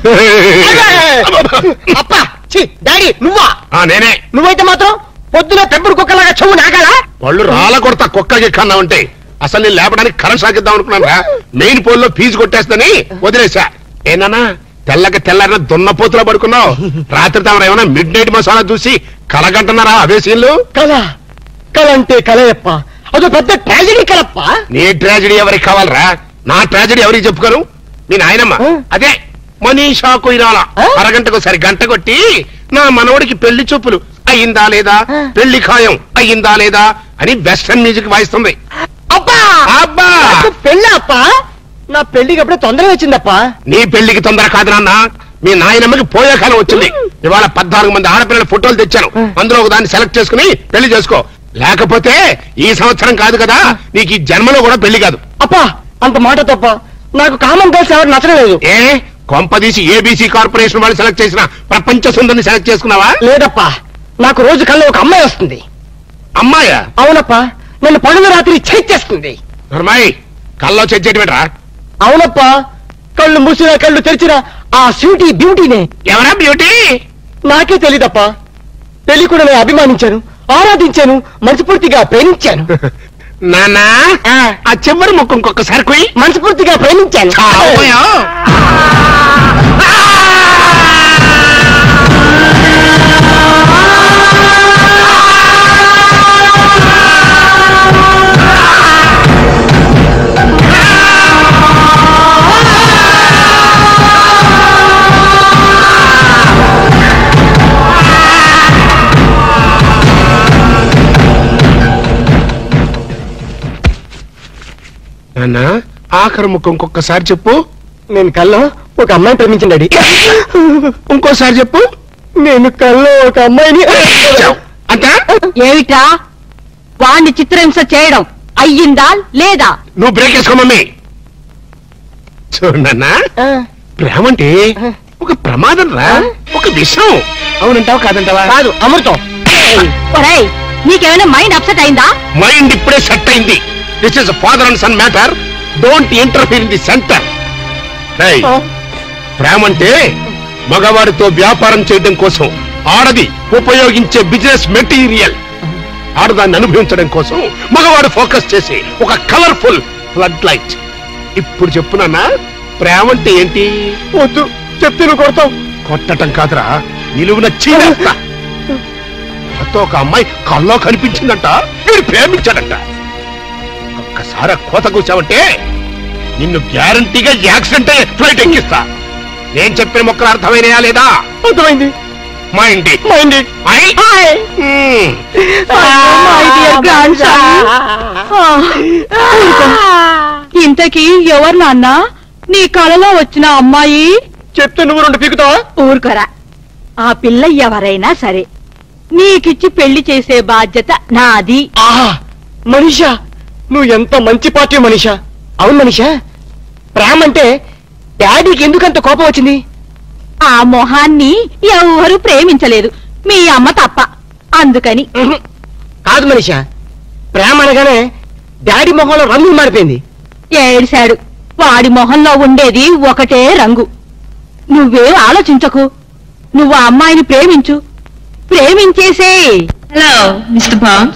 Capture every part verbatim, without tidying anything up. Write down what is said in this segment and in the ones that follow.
అప్పా డాడీ నువ్వా? నేనే. నువ్వైతే మాత్రం పొద్దున పెంపుడు కుక్కలాగా చెవు నాగాలా? వాళ్ళు రాళ్ళ కొడతా కుక్కకి కన్నా ఉంటే అసలు నేను లేపడానికి కరెంట్ సాగిద్దాం అనుకున్నాను రా. మెయిన్ పోల్ లో ఫీజు కొట్టేస్తని వదిలేసా. ఏనా తెల్లకి తెల్లారిన దున్నపోతులో పడుకున్నావు. రాత్రి తమరు ఏమైనా మిడ్ నైట్ మసాలా చూసి కలగంటున్నారా అవే సీన్లు? కళ కళ అంటే కలయప్ప, అదో పెద్ద ట్రాజడీ కలప్ప. నీ ట్రాజడీ ఎవరికి కావాలరా? నా ట్రాజడీ ఎవరికి చెప్పుకోను? మీ నాయనమ్మ అదే మనీషా కొయిరాల అరగంటకు సరి గంట కొట్టి నా మనవడికి పెళ్లి చూపులు అయ్యిందా లేదా, పెళ్లి ఖాయం అయ్యిందా లేదా అని వెస్టర్న్ మ్యూజిక్ వాయిస్తుంది. అబ్బా అబ్బా పెళ్ళి అప్ప, నా పెళ్లికి అప్పుడే తొందరగా వచ్చిందప్పా. నీ పెళ్లికి తొందర కాదు నాన్న, మీ నాయనమ్మకి పోయే కాలం వచ్చింది. ఇవాళ పద్నాలుగు మంది ఆడపిల్లల ఫోటోలు తెచ్చాను, అందులో ఒక దాన్ని సెలెక్ట్ చేసుకుని పెళ్లి చేసుకో. లేకపోతే ఈ సంవత్సరం కాదు కదా, నీకు ఈ జన్మలో కూడా పెళ్లి కాదు. అప్పా అంత మాట తప్ప, నాకు కామన్ గర్ల్స్ ఎవరు నచ్చలేదు. ఏ కొంపదీసి ఏబీసీ కార్పొరేషన్ వాళ్ళు సెలెక్ట్ చేసిన ప్రపంచ సుందరిని సెలెక్ట్ చేసుకున్నావా? లేదప్పా, నాకు రోజు కల్లో ఒక అమ్మాయి వస్తుంది. అమ్మాయా? అవునప్పా, నన్ను పగలు రాత్రి చేస్తుంది. అమ్మాయి కల్లో చెచ్చేటివేట్రా? అవునప్పా, కళ్ళు మూసినా కళ్ళు తెరిచినా ఆ స్వీటీ బ్యూటీనే. ఎవరా బ్యూటీ? నాకే తెలీదప్పా. పెళ్లి కూడా నేను అభిమానించాను, ఆరాధించాను, మనస్ఫూర్తిగా ప్రేమించాను. నానా ఆ చివరి ముక్కు ఇంకొకసారి కొయ్యి. మనస్ఫూర్తిగా ప్రేమించాను. నాన్న ఆఖరి ముక్కు ఇంకొకసారి చెప్పు. నేను కల్లో ఒక అమ్మాయిని ప్రేమించండి. ఇంకోసారి చెప్పు. నేను కల్లో ఒక అమ్మాయిని. అంతా ఏమిటా వాణ్ణి చిత్రహింస చేయడం అయ్యిందా లేదా? నువ్వు బ్రేక్ వేసుకో మమ్మీ. చూడన్నా, ప్రేమ అంటే ఒక ప్రమాదం రా, ఒక విషయం. అవునంటావా కాదంటావా? కాదు, అమృతం. ఒరేయ్, నీకేమైనా మైండ్ అప్సెట్ అయిందా? మైండ్ ఇప్పుడే సెట్ అయింది. This is father and son matter, don't interfere in the centre. ప్రేమ అంటే మగవాడితో వ్యాపారం చేయడం కోసం ఆడది ఉపయోగించే బిజినెస్ మెటీరియల్. ఆడదాన్ని అనుభవించడం కోసం మగవాడు ఫోకస్ చేసి ఒక కలర్ఫుల్ ఫ్లడ్ లైట్. ఇప్పుడు చెప్పునన్నా, ప్రేమ అంటే ఏంటి? వద్దు చెప్తే నువ్వు కొడతావు. కొట్టటం కాదురా, నిలువున చీరేస్తా. నాతో ఒక అమ్మాయి కల్లో కనిపించిందంట, వీడు ప్రేమించాడంట. ఒక్కసారి కోత కూర్చావంటే నిన్ను గ్యారంటీగా యాక్సిడెంట్ అయ్యే ఫ్లైట్ ఎక్కిస్తా. నేను చెప్పిన మొక్కలు అర్థమైనయా లేదా? అర్థమైంది. మా ఇంటి మా ఇంటి ఇంతకీ ఎవరు నాన్న నీ కళలో వచ్చిన అమ్మాయి? చెప్తే నువ్వు రెండు పీకుతావా? ఊరుకోరా. ఆ పిల్ల ఎవరైనా సరే నీకిచ్చి పెళ్లి చేసే బాధ్యత నాది. ఆహా మనీషా, నువ్వు ఎంత మంచి పార్టీ మనీషా. అవును మనీషా, ప్రేమ అంటే డాడీకి ఎందుకంత కోపం వచ్చింది? ఆ మొహాన్ని ఎవరు ప్రేమించలేదు, మీ అమ్మ తప్ప. అందుకని. కాదు మనీషా, ప్రేమ అనగానే డాడీ మొహంలో రంగు మారిపోయింది. ఏడిశాడు. వాడి మొహంలో ఉండేది ఒకటే రంగు. నువ్వేం ఆలోచించకు, నువ్వు ఆ అమ్మాయిని ప్రేమించు, ప్రేమించేసే. Hello mister Bond.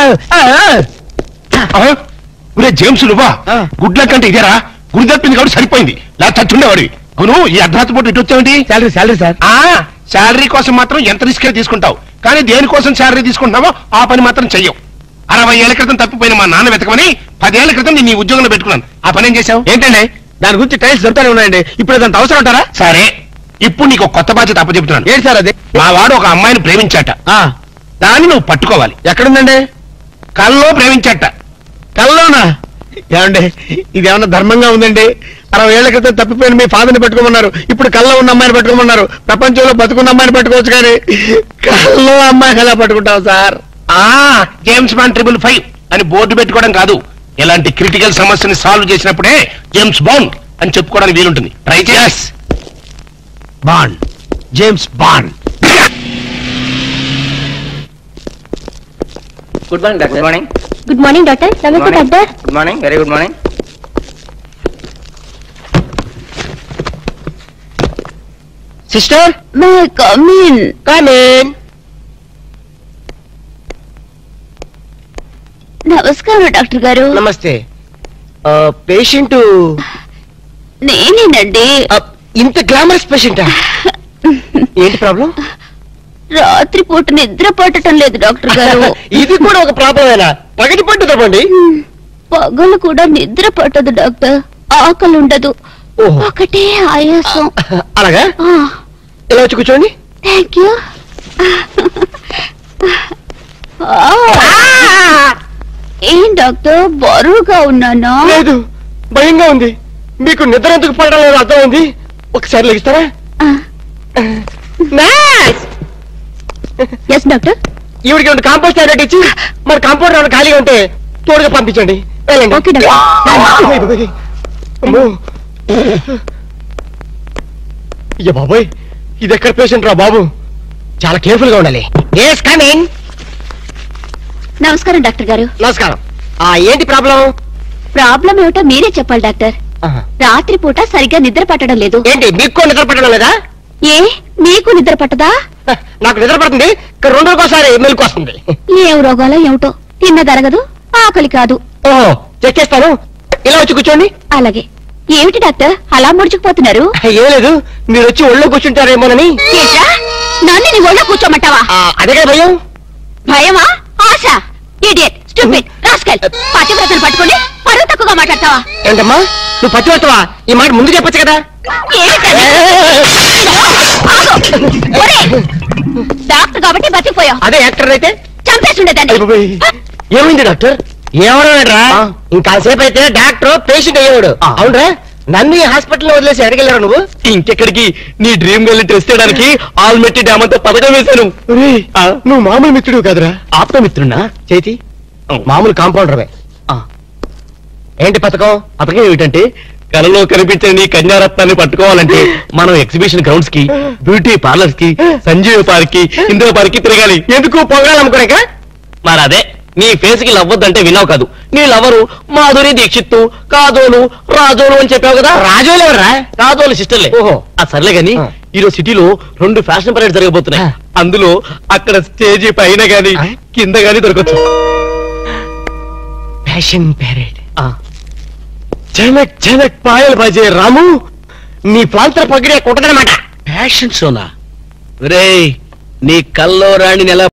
ఒరే జేమ్స్ నువ్వా ఆ. గుడ్ల కంటే ఇదేరా గుడి తప్పింది కాబట్టి సరిపోయింది లేదా చచ్చుండేవాడి అవును ఈ అర్ధరాత్రి పూట ఇటు వచ్చావేంటి శాలరీ శాలరీ సార్ ఆ శాలరీ కోసం మాత్రం ఎంత రిస్క్ తీసుకుంటావు కానీ దేనికోసం శాలరీ తీసుకుంటున్నావో ఆ పని మాత్రం చెయ్యవు అరవై ఏళ్ల క్రితం తప్పిపోయిన మా నాన్న వెతకమని పదేళ్ల క్రితం నేను ఈ ఉద్యోగంలో పెట్టుకున్నాను ఆ పని ఏం చేశావు ఏంటండి దాని గురించి టైల్స్ దొరుకుతానే ఉన్నాయండి ఇప్పుడు అదంత అవసరం అంటారా సరే ఇప్పుడు నీకు ఒక కొత్త బాధ్యత అప్పచెప్తున్నాను ఏంటి సార్ అది మా వాడు ఒక అమ్మాయిని ప్రేమించాట ఆ, దాన్ని నువ్వు పట్టుకోవాలి ఎక్కడుందండి కల్లో ప్రేమించాట కల్లోనా ఏమండి ఇది ఏమన్నా ధర్మంగా ఉందండి అరవై ఏళ్ల క్రితం తప్పిపోయిన మీ ఫాదర్ని పెట్టుకోమన్నారు ఇప్పుడు కల్లో ఉన్న అమ్మాయిని పెట్టుకోమన్నారు ప్రపంచంలో బతుకున్న అమ్మాయిని పెట్టుకోవచ్చు కానీ కల్లో అమ్మాయిని ఎలా పట్టుకుంటావు సార్ ఆ జేమ్స్ బాండ్ ట్రిపుల్ ఫైవ్ అని బోర్డు పెట్టుకోవడం కాదు ఇలాంటి క్రిటికల్ సమస్యని సాల్వ్ చేసినప్పుడే జేమ్స్ బాండ్ అని చెప్పుకోవడానికి వీలుంటుంది ట్రై చేస్ Bond James Bond good morning doctor good morning good morning doctor నమస్తే doctor good morning very good morning sister may come in come in నమస్కారం డాక్టర్ గారు నమస్తే పేషెంట్ నేనేనండి ఇంత గ్లామరస్ పేషెంటా ఏంటి ప్రాబ్లం రాత్రి పూట నిద్ర పట్టడం లేదు డాక్టర్ గారు ఇది కూడా ఒక ప్రాబ్లమేనా పగటి పట్టు తప్పండి పగలు కూడా నిద్ర పట్టదు డాక్టర్ ఆకలి ఉండదు ఓహో. ఒకటే ఆయాసం అలాగా ఇలా వచ్చి కూర్చోండి థ్యాంక్ యూ ఏం డాక్టర్ బరువుగా ఉన్నానా లేదు భయంగా ఉంది మీకు నిద్ర ఎందుకు పడడం లేదు అర్థమైంది ఒకసారి లెగిస్తారా ఎస్ డాక్టర్ ఈవిడికి రెండు కాంపోస్ట్ టాబ్లెట్ ఇచ్చి మరి కాంపౌండ్ ఏమైనా ఖాళీగా ఉంటే తోడుగా పంపించండి వెళ్ళండి ఓకే డాక్టర్ అమ్మో. అయ్య బాబోయ్ ఇది ఎక్కడ పేషెంట్ రా బాబు చాలా కేర్ఫుల్ గా ఉండాలి ఎస్ కమింగ్ నమస్కారం డాక్టర్ గారు నమస్కారం ఆ ఏంటి ప్రాబ్లం ప్రాబ్లం ఏమిటో మీరే చెప్పాలి డాక్టర్ రాత్రి పూట సరిగ్గా నిద్ర పట్టడం లేదు ఏంటి మీకు నిద్ర పట్టడం లేదా ఏ మీకు నిద్ర పట్టదా హ, నాకు నిద్ర పడుతుంది ఇక్కడ రెండు రోజుకోసారి మెలకు వస్తుంది ఏం రోగాలో ఏమిటో తిన్నదరగదు ఆకలి కాదు ఓహో చెక్ చేస్తాను ఇలా వచ్చి కూర్చోండి అలాగే ఏమిటి డాక్టర్ అలా ముడుచుకుపోతున్నారు ఏం లేదు మీరు వచ్చి ఒళ్ళో కూర్చుంటారేమోనని ఏంట్రా? నన్ను నీ ఒళ్ళో కూర్చోమంటావా ఆ, అదే కదా భయం భయమా ఆశ ఇడియట్ స్టూపిడ్ రాస్కల్ పతివ్రతలు పట్టుకొని పరువు తక్కువగా మాట్లాడతావా ఏంటమ్మా నువ్వు పచ్చివస్తావా ఈ మాట ముందు చెప్పొచ్చు కదా ఏంటది? ఆగు! ఒరేయ్! డాక్టర్ కాబట్టి బతికిపోయావు అదే యాక్టర్ అయితే చంపేసి ఉండేదాన్ని అయ్ బాబోయ్. ఏమైంది డాక్టర్ ఏమన్నాడ్రా ఇంకాసేపు అయితే డాక్టర్ పేషెంట్ అయ్యేవాడు అవునరా నన్ను ఈ హాస్పిటల్ వదిలేసి ఎడగెళ్ళారా నువ్వు ఇంకెక్కడికి నీ డ్రీమ్ గర్ల్ టెస్ట్ చేయడానికి ఆల్మెట్టి డ్యామ్ అంతా పథకం వేశాను నువ్వు మామూలు మిత్రుడు కాదురా ఆప్తమిత్రున్నా చేతి మామూలు కాంపౌండర్వే ఏంటి పథకం పథకం ఏమిటంటే కలలో కనిపించే నీ కన్యారత్నాన్ని పట్టుకోవాలంటే మనం ఎగ్జిబిషన్ గ్రౌండ్స్ కి బ్యూటీ పార్లర్స్ కి సంజీవ పార్క్ కి ఇందిరా పార్క్ కి తిరగాలి ఎందుకు పొగడాలనుకోలేక మరి అదే నీ ఫేస్ కి లవ్వద్దంటే విన్నావు కాదు నీ లవరు మాధురి దీక్షిత్తు కాదోలు రాజోలు అని చెప్పావు కదా రాజోలు ఎవరా కాదోలు సిస్టర్లే ఓహో ఆ సర్లే గాని ఈరోజు సిటీలో రెండు ఫ్యాషన్ పరేడ్ జరగబోతున్నాయి అందులో అక్కడ స్టేజీ పైన గాని కింద గాని దొరకచ్చు ఫ్యాషన్ పరేడ్ జనక్ జనక్ పాయల్ బాజే రాము నీ ప్రాంతర పగిడే కొట్టదనమాట ఫ్యాషన్ షోనా రే నీ కల్లో రాణిని ఎలా